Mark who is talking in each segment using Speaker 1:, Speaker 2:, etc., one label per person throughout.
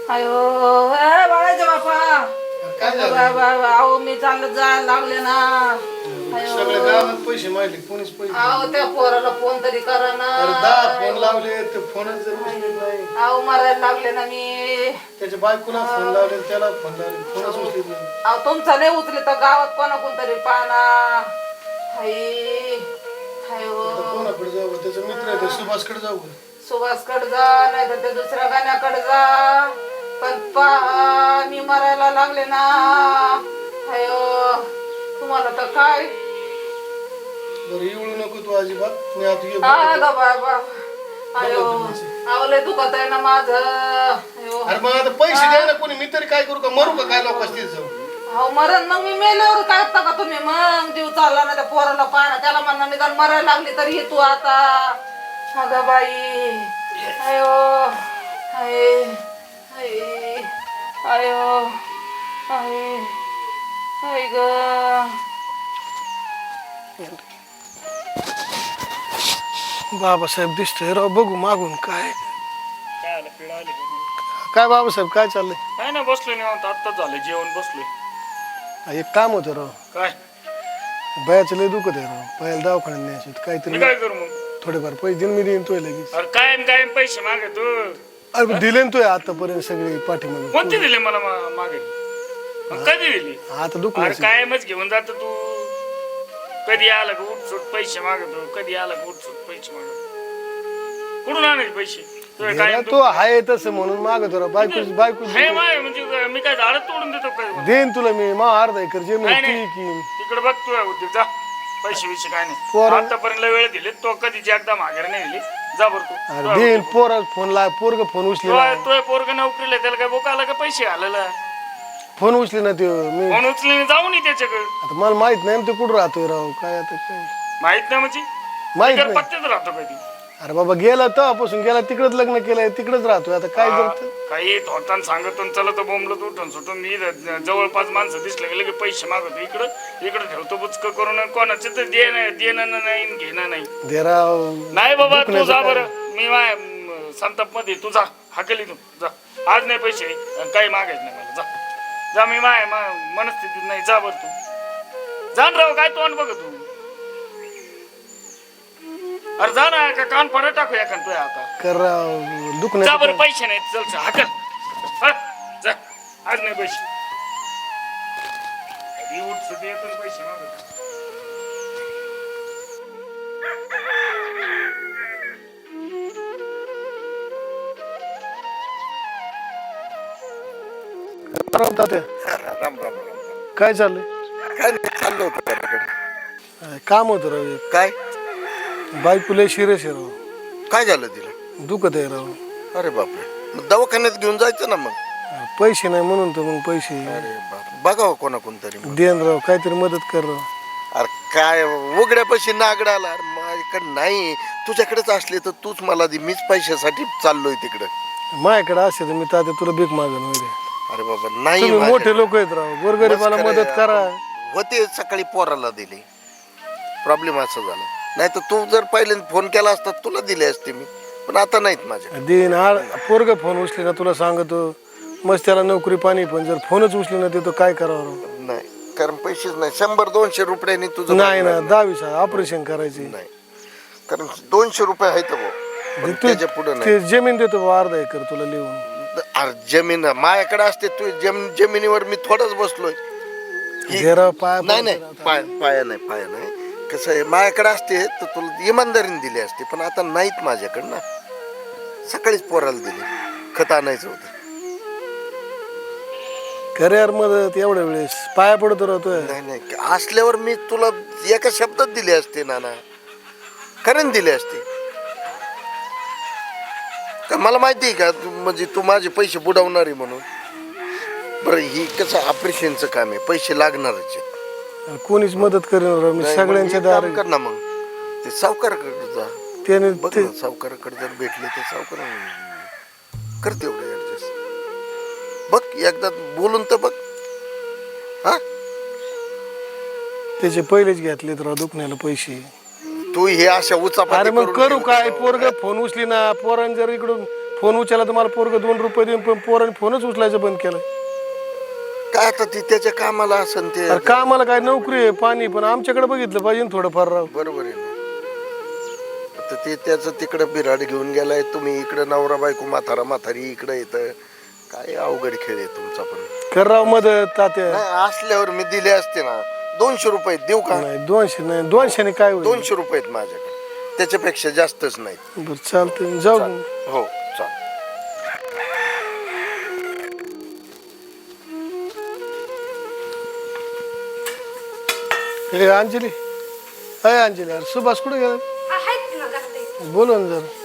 Speaker 1: अयो बाळाच्या बापा अहो मी चालत जायला लागले ना.
Speaker 2: सगळ्या गावात पैसे मागले कोणीच पैसे
Speaker 1: अहो त्या पोराला फोन तरी करा ना.
Speaker 2: 10 फोन लावले ते फोनच उचलत नाही.
Speaker 1: अहो मरायला लागले ना मी.
Speaker 2: त्याच्या बायकोला फोन लावले त्याला फोन लावले फोनच उचलत नाही.
Speaker 1: अहो तुमचा नाही उचले तर गावात कोणाकोण तरी पाहना.
Speaker 2: कोणाकडे जाऊ त्याचा मित्र आहे सुभाषकडे जाऊ.
Speaker 1: सुभाषकडे जा नाही तर त्या दुसऱ्या गाण्याकडे जा. पण पहा मी मरायला लागले ना. अयो तुम्हाला तर काय
Speaker 2: बरं येऊ नको तू अजिबात मी आता
Speaker 1: बाबा. अयो आवले दुखत आहे ना माझं.
Speaker 2: अरे मग आता पैसे द्या ना कोणी मी तरी काय करू का मरू का काय लोक असतील जाऊ.
Speaker 1: हो मरण मग मी मेल्यावर काय करता का तुम्ही मग जीव चालला ना त्या पोराला पाहणं त्याला म्हणणं निदान मरायला लागली तरी तू आता. अगं बाई अयो हाय हाय अयो हाय हाय ग.
Speaker 2: बाबासाहेब दिसतोय राव बघू मागून काय काय बाबासाहेब काय चाललंय.
Speaker 3: काय नाही बसलोय निवांत आत्ताच झालं जेवण बसलोय.
Speaker 2: एक काम होतं राव
Speaker 3: काय
Speaker 2: बयाचं लय दुखत आहे राव बयाला दवाखान्यात न्यायचं काहीतरी.
Speaker 3: मी काय करू मग
Speaker 2: थोडेफार पैसे देऊन मी देईन तोय लगेच.
Speaker 3: अरे कायम कायम पैसे मागे तू.
Speaker 2: अरे दिले ना तोय आतापर्यंत सगळे पाठीमागे.
Speaker 3: कोणते दिले मला मागे मग कधी दिली.
Speaker 2: आता दुख
Speaker 3: अरे कायमच घेऊन जात तू. कधी आला का उठसूट पैसे मागतो कधी आला का उठसूट पैसे मागतो. कुठून आणायचे पैसे काय
Speaker 2: तो आहे तसं म्हणून मागतो राव बायको बायको
Speaker 3: हे माय म्हणजे मी काय झाडच तोडून देतो काय.
Speaker 2: देईन तुला मी मा अर्धा एकर जमीन
Speaker 3: नाही, नाही.
Speaker 2: की
Speaker 3: तिकडे बघतोय उद्योग जा पैसे विषय काय नाही. आतापर्यंत वेळ दिले तो कधीची एकदा माघार नाही दिली. जा बरं तू.
Speaker 2: अरे देईन पोरा फोन ला पोरग फोन उचले
Speaker 3: तो पोरग नोकरीला त्याला काय बोका आला का पैसे आलेला.
Speaker 2: फोन उचले ना ते मी
Speaker 3: फोन उचलून जाऊ नये त्याच्याकडे.
Speaker 2: आता मला माहित नाही ना ते कुठं राहतोय राव काय आता काय
Speaker 3: माहित नाही म्हणजे
Speaker 2: माहित नाही.
Speaker 3: पत्त्यात राहतो कधी.
Speaker 2: अरे बाबा गेला तेव्हापासून गेला तिकडच लग्न केलंय तिकडच राहतोय आता काय करत.
Speaker 3: काही धोतान सांगतो चला तर बोंबलत उठून सुटून मी जवळपास माणसं दिसले गेले की पैसे मागतो इकडं ठेवतो बुचक करून कोणाचे तर देणं नाही घेणं नाही.
Speaker 2: देराव
Speaker 3: नाही बाबा तू जा बरं मी संताप मध्ये तू जा हाकेली तू जा. आज नाही पैसे काही मागायचं नाही मला जा जा मी मनस्थितीत नाही. जा बरं तू जाण राव काय तोंड बघ तू. अरे जा ना का कान पडा टाकू या तू आता
Speaker 2: कर दुख
Speaker 3: जा बरं
Speaker 2: नाही
Speaker 3: पैसे नाही चल हाकल जा आज नाही पैसे. कधी उठ येतो पैसे मागत.
Speaker 4: राम राम
Speaker 2: काय चाललंय.
Speaker 4: काय नाही चाललं होतं त्याच्याकडे.
Speaker 2: काम होतं राव एक.
Speaker 4: काय
Speaker 2: बायको लय शिरस आहे राव
Speaker 4: काय झालं तिला.
Speaker 2: दुखत आहे राव.
Speaker 4: अरे बापरे मग दवाखान्यात घेऊन जायचं ना मग.
Speaker 2: पैसे नाही म्हणून तर मग पैसे
Speaker 4: अरे बाप बघावं कोणा कोणतरी मग.
Speaker 2: देन राव काहीतरी मदत कर राव.
Speaker 4: अरे काय उघड्या पैसे नागडाला. अरे माझ्याकडे नाही तुझ्याकडेच असले तर तूच मला दे. मीच पैशासाठी चाललोय तिकडे.
Speaker 2: माझ्याकडे असे तर मी तात्या तुला भीक मागन वगैरे.
Speaker 4: अरे बाबा नाही
Speaker 2: तुम्ही मोठे
Speaker 4: माझ्याकडे.
Speaker 2: लोक आहेत राव गोरगरीबाला
Speaker 4: मस्करी
Speaker 2: मदत करा.
Speaker 4: होते सकाळी पोराला दिले. प्रॉब्लेम असं झाला नाही तर तू जर पहिले फोन केला असता तुला दिले असते मी पण आता नाहीत माझ्या.
Speaker 2: देईन पोरग फोन उचले ना तुला सांगतो मस्त त्याला नोकरी पाणी पण जर फोनच उचले ना ते तो काय करावं राव.
Speaker 4: नाही कारण पैसेच नाही. 100-200 रुपयांनी तुझं
Speaker 2: नाही ना 10 ऑपरेशन करायचे.
Speaker 4: नाही कारण 200 रुपये आहेत भाऊ. त्याच्या पुढे नाही.
Speaker 2: ते जमीन देतो बा अर्धा एकर तुला लिहून.
Speaker 4: अरे जमीन माझ्याकडे असते तू जमिनीवर मी थोडंच बसलोय. नाही नाही पाया नाही कसं आहे माझ्याकडे असते तर तुला इमानदारीने दिली असते पण आता नाहीत माझ्याकडे ना. सकाळीच पोराला दिली खत आणायचं होतं.
Speaker 2: खरे यार मदत एवढ्या वेळेस पाया पडतो राहतोय.
Speaker 4: नाही असल्यावर मी तुला एका शब्दात दिले असते नाना खरं दिले असते. का मला माहिती आहे का म्हणजे तू माझे पैसे बुडवणार आहे म्हणून. बरं ही कसं ऑपरेशनचं काम आहे पैसे लागणारच आहेत.
Speaker 2: कोणीच मदत करेन मी सगळ्यांच्या दार
Speaker 4: कर ना मग ते सावकाराकडे जा.
Speaker 2: त्याने
Speaker 4: बघ ना सावकाराकडे जर भेटले तर सावकार करते एवढं ऍडजस्ट. बघ एकदा बोलून तर बघ. हा
Speaker 2: त्याचे पहिलेच घेतले तर दुखण्याला पैसे.
Speaker 4: तू हे अशा उचापाती
Speaker 2: अरे मग
Speaker 4: करून
Speaker 2: करू
Speaker 4: ठेवतो.
Speaker 2: काय पोरग फोन उचली ना पोरांनी जर इकडून फोन उचलला तर मला पोरग 2 रुपये देऊन, पण पोराने फोनच उचलायचं बंद केलं.
Speaker 4: काय आता ती त्याच्या कामाला असन ते.
Speaker 2: अरे का आम्हाला काय नोकरी आहे पाणी, पण आमच्याकडे बघितलं पाहिजे ना थोडंफार राव.
Speaker 4: बरोबर आहे ना. आता ते त्याचं तिकडं बिराड घेऊन गेलाय, तुम्ही इकडं नवरा बायको म्हातारी इकडं येतं. काय अवघड खेळ आहे तुमचा पण.
Speaker 2: कर राव मदत तात्या.
Speaker 4: नाही असल्यावर मी दिले असते ना. 200 रुपये देऊ का?
Speaker 2: नाही 200 नाही, 200 ने काय होईल.
Speaker 4: 200 रुपये आहेत माझ्याकडे, त्याच्यापेक्षा जास्तच नाही.
Speaker 2: बरं चालतंय जाऊ.
Speaker 4: हो चाल.
Speaker 2: हे अंजली, अय अंजली, अरे सुभाष कुठे गेला? बोलव ना जरा.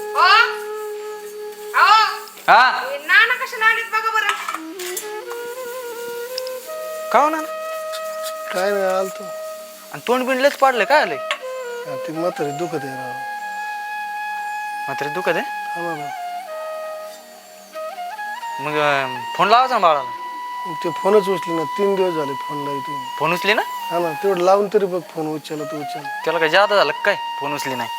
Speaker 5: हा
Speaker 1: नाना कशाला आलीत बघा बरं.
Speaker 5: का हो ना
Speaker 2: काय नाही आलतो.
Speaker 5: आणि तोंड बिंडलेच पाडलं काय आलंय
Speaker 2: ती म्हातारी दुखत आहे राव.
Speaker 5: मात्र दुखत आहे.
Speaker 2: हा ना.
Speaker 5: मग फोन लावायचा ना बाळाला.
Speaker 2: ते फोनच उचले ना, 3 दिवस झाले फोन लावतो.
Speaker 5: फोन उचली ना.
Speaker 2: हा ना, तेवढं लावून तरी बघ फोन उचलला तू उचल.
Speaker 5: त्याला काय जादा झालं काय फोन उचली नाही.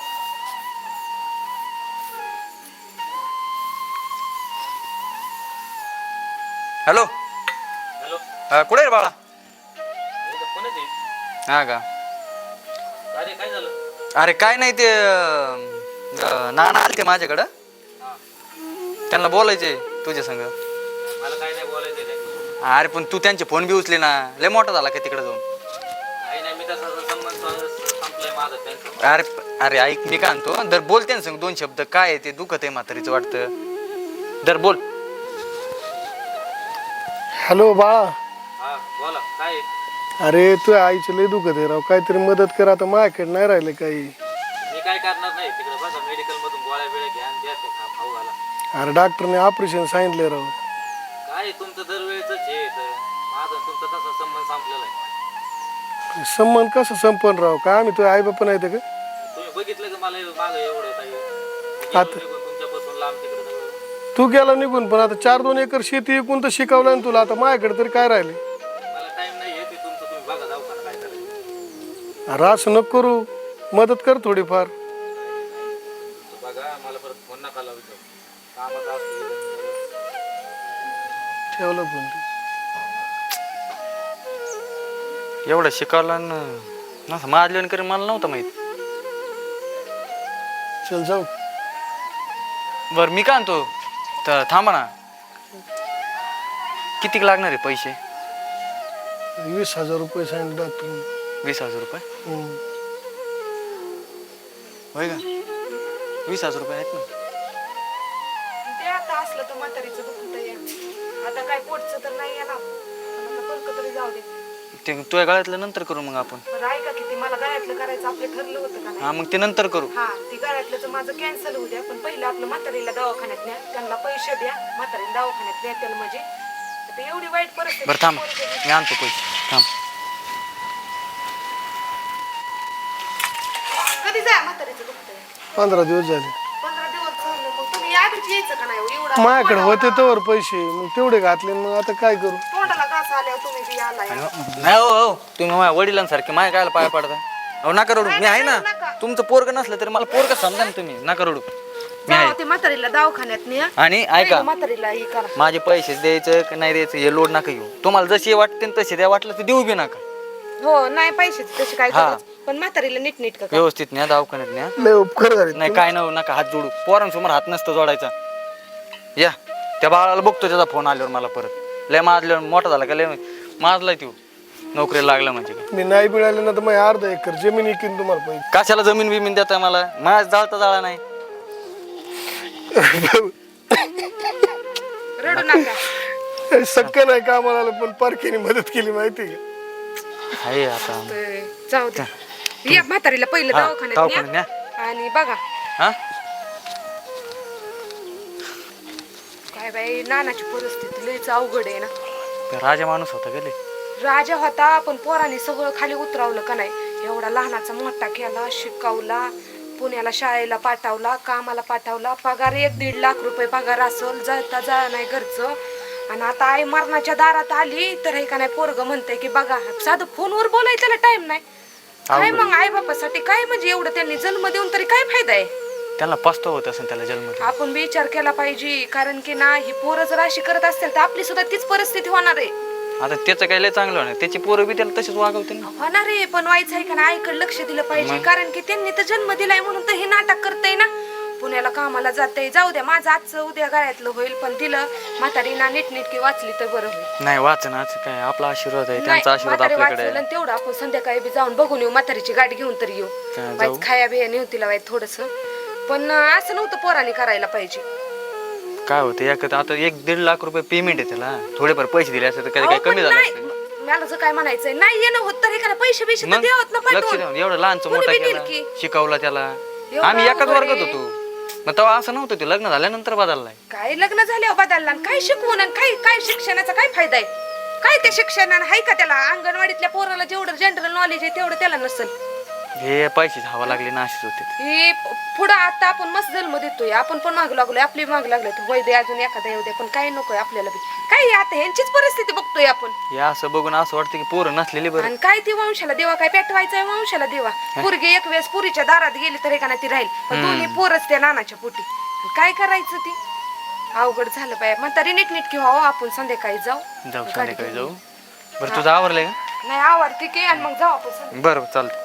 Speaker 5: हॅलो हॅलो, कुठे रे बाळा? हा का? अरे काय नाही ते नाना आलते माझ्याकडं, त्यांना बोलायचे तुझ्या संग. अरे पण तू त्यांचे फोन बी उचले ना, लय मोठा झाला का तिकडे जाऊन. अरे अरे ऐक मी काय म्हणतो, दर बोल त्यांना संग 2 शब्द. काय आहे ते दुखत आहे म्हातारीचं वाटतं, दर बोल.
Speaker 2: हॅलो बाळा.
Speaker 5: बोला काय.
Speaker 2: अरे तू आईचं लय दुखत आहे राव, काहीतरी मदत कर. आता माझ्याकडे नाही राहिले काही.
Speaker 5: मी काय करणार नाही, तिकडे बसा मेडिकल मधून गोळ्या बिळ्या घ्या आणि द्या ते खाऊ घाला.
Speaker 2: अरे डॉक्टरने ऑपरेशन सांगितलंय राव.
Speaker 5: काय तुमचं दरवेळेच आहे, माझा तुमचा तसा संबंध संपलेला आहे.
Speaker 2: संबंध कसं संपन राव? काय आम्ही तुझ्या आई बाप्पा नाही तर का?
Speaker 5: तुम्ही बघितलं का मला मागं एवढं काही
Speaker 2: आता
Speaker 5: तुमच्यापासून लांब तिकडे सगळं.
Speaker 2: तू गेला निघून, पण आता 4-2 एकर शेती विकून तर शिकवलं ना तुला. आता माझ्याकडे तरी काय राहिले?
Speaker 5: मला टाइम नाही आहे, ते तुमचं तुम्ही बघा जाऊ का काय करायचं.
Speaker 2: अरे असं नको करू, मदत कर थोडीफार.
Speaker 5: बघा मला परत फोन नका लावू, कामात असतो.
Speaker 2: ठेवलं फोन.
Speaker 5: एवढं शिकवला ना मारल्यान करी मला नव्हतं माहित.
Speaker 2: चल जाऊ.
Speaker 5: बरं मी काय आणतो तर थांबा ना. किती लागणार आहे पैसे?
Speaker 2: 20,000 रुपये सांगितले डॉक्टरने.
Speaker 5: 20,000 रुपये होय का? 20,000 रुपये आहेत ना.
Speaker 1: ते आता असलं तर म्हातारीचं दुखत आहे. आता काय पोटचं तर नाही येणार, परक तरी जाऊ दे.
Speaker 5: ते तुझ्या गळ्यातलं नंतर करू मग आपण.
Speaker 1: बरं ऐका की, ते मला गळ्यातलं करायचं आपलं ठरलं होतं का नाही?
Speaker 5: हा मग ते नंतर करू.
Speaker 1: हा, ती गळ्यातलं तर माझं कॅन्सल होऊ द्या, पण पहिलं आपलं म्हातारीला दवाखान्यात न्या, त्यांना पैसे द्या, म्हातारीला दवाखान्यात द्या त्याला. म्हणजे आता एवढी वाईट परिस्थिती.
Speaker 5: बरं थांब मी आणतो पैसे. थांब.
Speaker 1: कधी जा म्हातारीचं दुखतंय?
Speaker 2: 15 दिवस झाले.
Speaker 1: 15 दिवस झाले. मग तुम्ही आधीच यायचं का नाही? एवढा
Speaker 2: माझ्याकडे होते तोवर पैसे, मग तेवढे घातले. मग आता काय करू?
Speaker 1: तोंडाला घास आल्यावर तुम्ही बी आलाय.
Speaker 5: नाही हो हो, तुम्ही माझ्या वडिलांसारखे माझ्या कायला पाय पडता. अहो नका रडू, मी आहे ना. तुमचं पोरग नसलं तरी मला पोरग समजा ना तुम्ही. नका रडू, मी आहे.
Speaker 1: ते म्हातारीला दवाखान्यात न्या,
Speaker 5: आणि ऐका,
Speaker 1: म्हातारीला हे करा.
Speaker 5: माझे पैसे द्यायचं का नाही द्यायचं हे लोड नका घेऊ. तुम्हाला जसे वाटते तसे द्या, वाटलं तर देऊ बी नका.
Speaker 1: हो नाही पैसे तसे काय
Speaker 5: हा.
Speaker 1: करायचं, पण म्हातारीला नीट का
Speaker 5: व्यवस्थित न्या, दवाखान्यात न्या.
Speaker 2: लय उपकार झाले.
Speaker 5: नाही काय नका हात जोडू. पोरांसमोर हात नसतं जोडायचा. या त्या बाळाला बघतो, त्याचा फोन आल्यावर मला परत लय माजल्यावर मोठा झाला का लय माजलाय तो, नोकरीला लागला म्हणजे काय.
Speaker 2: मी नाही मिळाले ना तर मग 1/2 एकर जमीन इकीन तुम्हाला पैसे.
Speaker 5: कशाला जमीन बिमीन देताय मला? माझ जाळता जाळा नाही.
Speaker 1: रडू नका.
Speaker 2: शक्य नाही का आम्हाला, पण पारखीने मदत केली माहिती का?
Speaker 5: आहे आता.
Speaker 1: जाऊ दे, या म्हातारीला पहिलं
Speaker 5: हा,
Speaker 1: दवाखान्यात
Speaker 5: दवाखान्यात
Speaker 1: न्या. आणि बघा
Speaker 5: हा
Speaker 1: काय बाई, नानाची परिस्थिती लयच अवघड आहे ना.
Speaker 5: राजा माणूस होता गेले.
Speaker 1: राजा होता, पण पोराने सगळं खाली उतरवलं का नाही. एवढा लहानाचा मोठा केला, शिकवला, पुण्याला शाळेला पाठवला, कामाला पाठवला. पगार 1-1.5 लाख रुपये पगार असल, जळता जळा नाही घरचं. आणि आता आई मरणाच्या दारात आली तर हे का नाही पोरग म्हणते की बघा, साधं फोनवर बोलायचं टाइम नाही काय. मग आई बापासाठी काय, म्हणजे एवढं त्यांनी जन्म देऊन तरी काय फायदा आहे?
Speaker 5: त्यांना पस्ताव होत असेल त्याला जन्म देऊन.
Speaker 6: आपण बी विचार केला पाहिजे, कारण की ना ही पोरं जर अशी करत असतील तर आपली सुद्धा तीच परिस्थिती होणार आहे.
Speaker 5: आता त्याचं काही लय चांगलं होणार, त्याची पोरं बी त्याला तसेच वागवते ना.
Speaker 6: होणार आहे, पण व्हायचं आहे का ना, आईकडे लक्ष दिलं पाहिजे, कारण की त्यांनी तर जन्म दिलाय म्हणून तर हे नाटक करतय ना. पुण्याला कामाला जाते, जाऊ द्या, माझं आजचं उद्या गळ्यातलं होईल, पण तिला म्हातारी ना नीटनेटकी वाचली तर बरं होईल.
Speaker 5: नाही वाचनाच काय, आपला आशीर्वाद आहे,
Speaker 6: नाही,
Speaker 5: त्यांचा आशीर्वाद
Speaker 6: म्हातारी
Speaker 5: आपल्याकडे
Speaker 6: वाचलं
Speaker 5: आहे.
Speaker 6: आणि तेवढं आपण संध्याकाळी बी जाऊन बघून येऊ, म्हातारीची गाडी घेऊन तर येऊ.
Speaker 5: काय
Speaker 6: वाईच
Speaker 5: जाऊ?
Speaker 6: खाया बिया नेऊ तिला वाईट थोडस, पण असं नव्हतं पोराने करायला पाहिजे.
Speaker 5: काय होतं आता 1-1.5 लाख रुपये पेमेंट आहे त्याला, थोडेफार पैसे दिले असते तर कधी
Speaker 6: अहो,
Speaker 5: काही कमी
Speaker 6: पण
Speaker 5: झालं
Speaker 6: नाही,
Speaker 5: असतं.
Speaker 6: मला जर काय म्हणायचंय, नाही येणं होत तर हे का ना, पैसे बिशे तर
Speaker 5: मग
Speaker 6: द्यावत ना
Speaker 5: लक्ष
Speaker 6: पाठवून.
Speaker 5: देऊन एवढं लहानचं
Speaker 6: कोणी
Speaker 5: मोठा
Speaker 6: बी देईल
Speaker 5: केला,
Speaker 6: की?
Speaker 5: शिकवला त्याला.
Speaker 6: एवढं
Speaker 5: आम्ही एकाच
Speaker 6: अवघड
Speaker 5: वर्गात
Speaker 6: आहे.
Speaker 5: होतो, मग तेव्हा असं नव्हतं, ते लग्न झाल्यानंतर बदललाय.
Speaker 6: काय लग्न झाल्यावर बदलला आणि काय शिकवून आणि काय शिक्षणाचा काय फायदा आहे? काय त्या शिक्षणानं आहे का त्याला? अंगणवाडीतल्या पोराला जेवढं जनरल नॉलेज आहे तेवढं त्याला नसेल.
Speaker 5: हे पैसे हवा लागले ना, अशीच होते.
Speaker 6: हे पुढं आता आपण मस्त जन्म देतोय, आपण पण माग लागलोय, आपली माग लागलोय, वैद्य अजून एखादा येऊ दे, पण काही नकोय आपल्याला बी. काय आता ह्यांचीच परिस्थिती बघतोय आपण.
Speaker 5: हे असं बघून असं वाटतं की पोरं नसलेली बरं.
Speaker 6: आणि काय ती वंशाला देवा, काय पेटवायचंय वंशाला देवा? पोरगी एक वेळेस पुरीच्या दारात गेली तर एका ती राहील, पण दोन्ही पोरच त्या नानाच्या पोटी. काय करायचं ती? अवघड झालं पाहिजे. म्हातारी नीटनीटकी व्हावं, आपण संध्याकाळी जाऊ.
Speaker 5: संध्याकाळी जाऊ. बरं तुझं आवरलंय का?
Speaker 6: नाही आवडते की, आणि मग जाऊ आपण.
Speaker 5: बरं चालतं.